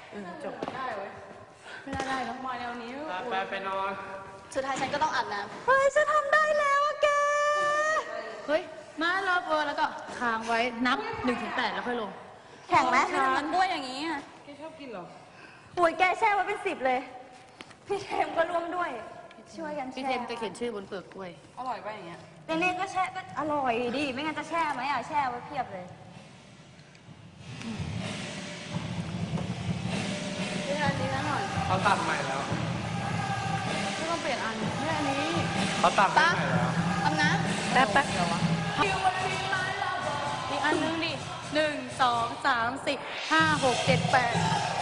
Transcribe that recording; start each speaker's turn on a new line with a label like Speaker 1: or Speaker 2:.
Speaker 1: จบได้เว้ยไม่ได้แล้วมาแนวนี้
Speaker 2: ไปนอน
Speaker 3: สุดท้ายฉันก็ต้องอาบน้ำ
Speaker 1: เฮ้ยฉันทำได้แล้วอะแกเฮ้ยมาเราแล้วก็ค้างไว้นับ1-8แล้วค่อยลง
Speaker 3: แข่งไหมไม่ทำมันบ้วยอย่างนี้อ่ะ
Speaker 2: แกชอบกินเหรอ
Speaker 3: โอ้ยแกแช่ไว้เป็น10เลยพี่เทมก็ร่วมด้วยช่วยกันแช่
Speaker 1: พี่เทมจะเขียนชื่อบนเปลือกกล้วย
Speaker 2: อร่อยป่ะอย่างเงี้ย
Speaker 3: เนๆก็แช่ก็อร่อยดิไม่งั้นจะแช่ไหมอ่ะแช่ไว้เพียบเลยพี่ทันดีนะหน่อย
Speaker 2: เขาตัดใหม่แล้ว
Speaker 1: ไม่ต้องเปลี่ยนอันไม่อันนี้
Speaker 2: เขาตัดใหม่แล้ว
Speaker 3: ทำนะ
Speaker 1: แป๊บเดี๋ยววะอีกอันนึงดิ1 2 3 4 5 6 7 8